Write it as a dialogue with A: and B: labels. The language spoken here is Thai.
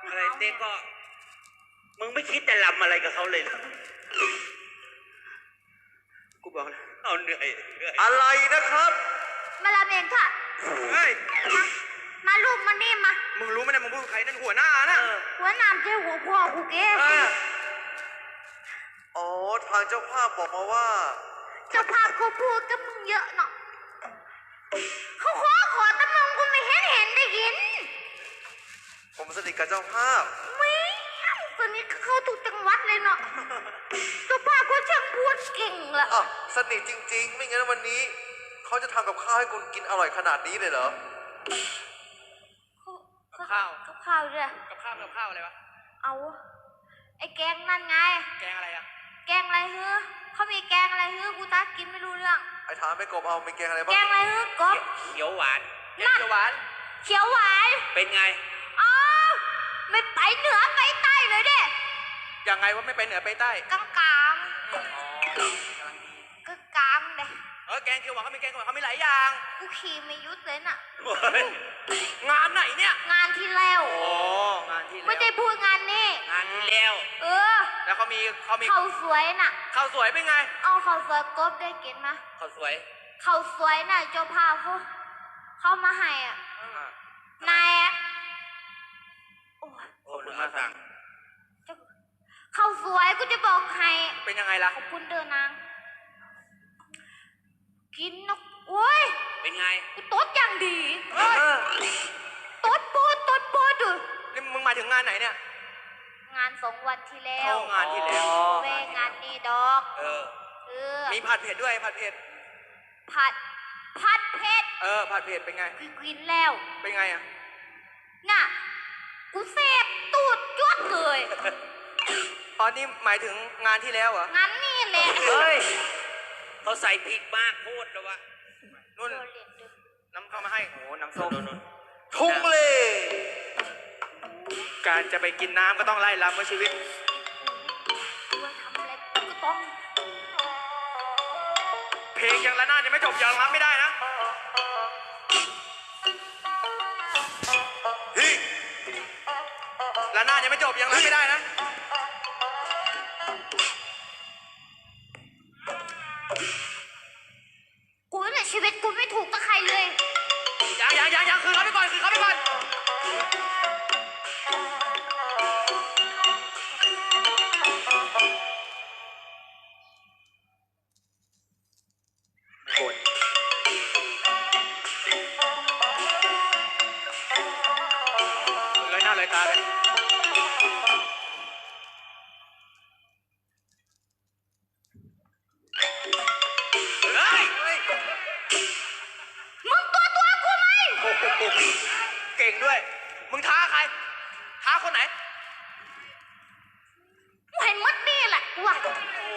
A: อะไรเต้ก็มึงไม่คิดจะลำอะไรกับเขาเลยเหรอกูบอกแล้วเอาเหนื่อย
B: อะไรนะครับ
C: มาลาเมงค่ะ
B: เฮ้ย
C: มาลูกมานี่มา
B: มึงรู้ไหมเนี่ยมึงพูดใครนั่นหัวหน้านะ
C: หัวหน้าเจ้าหัวพ่อกูเก๋
B: อ๋อทางเจ้าภาพบอกมาว่า
C: เจ้าภาพเขาพูดกับมึงเยอะเนาะเขาขอแต่มึงกูไม่เห็นได้ยิน
B: ผมสนิทกับเจ้าภาพ
C: ไม่ตอนนี้เขาถูกจังหวัดเลยเนาะเจ้าภาพเขาช่างพูดเก่งละ
B: อ่ะสนิทจริงๆไม่งั้นวันนี้เขาจะทำกับข้าวให้คุณกินอร่อยขนาดนี้เลยเหรอ
A: กับข้าว
C: ด้วย
A: กับข้าวอะไรวะ
C: เอาไอ้แกงนั่นไง
A: แกงอะไรอะ
C: แกงอะไรเฮ้อเขามีแกงอะไรเฮ้อกูตากินไม่รู้เรื่อง
B: ไอ้ถามไปกบเอามีแกงอะไรบ้าง
C: แกงอะไรเฮ้อกบ
A: เขียวหวาน
C: เขียวหวาน
A: เป็นไง
C: อ๋อไม่ไปเหนือไปใต้เลยเด้
A: ยังไงว่าไม่ไปเหนือไปใต้
C: กลางเด้
A: แกงเขียวหวานเขามีแกงเขียวหวานเขามีหลายอย่าง
C: กูขี่ไม่ยุดเลยน่ะ
A: งานไหนเนี่ย
C: งานที่แล้ว
A: งานที่แล้ว
C: ไม่ได้พูดงานนี้
A: งานที่แล้วแล้วเขามี
C: ข้าวสวยน่ะ
A: ข้าวสวยเป็นไง
C: เอาข้าวสวยกบได้กินไหม
A: ข้าวสวย
C: น่ะเจ้าภาพเขามาให้อ่ะนาย
A: โอ้ยมาสั่ง
C: ข้าวสวยกูจะบอกให้
A: เป็นยังไงล่ะ
C: ขอบคุณเดินนางกินนกโอ้ย
A: เป็นไง
C: กูต๊ดอย่างดีต๊ดปูดู
A: นี่มึงมาถึงงานไหนเนี่ย
C: งาน2 วันที่แล้ว
A: งานที่แล้ว
C: เว้งานนี้ดอก
A: มีผัดเผ็ดด้วยผัดเผ็ด
C: ผัดเผ็ด
A: ผัดเผ็ดเป็นไง
C: กินแล้ว
A: เป็นไงอ่ะ
C: น่ะกูเสพตูดจวดเลย
A: ตอนนี้หมายถึงงานที่แล้วเหรอง
C: านนี่แหละ
A: เฮ้ยเขาใส่พริกมากโคตรแล้ววะนุ่นน้ำเข้ามาให้โอ้น้ำส้ม
B: ทุ่งเล
A: การจะไปกินน้ำก็ต้องไล่ลำว่าชีวิต
C: ทำอะไรก็ต้อง
A: เพลงยังละนาดยังไม่จบยังรับไม่ได้นะละนาดยังไม่จบยังรับไม่ได้นะ
C: กูในชีวิตกูไม่ถูกกับใครเลย
A: ยังคือเขาไปก่อนเลยหน้าเลยตาเลย
C: มึงตัวกูไหม
A: เก่งด้วยมึงท้าใครท้าคนไหน
C: กูเห็นมัดนี่แหละว่ะ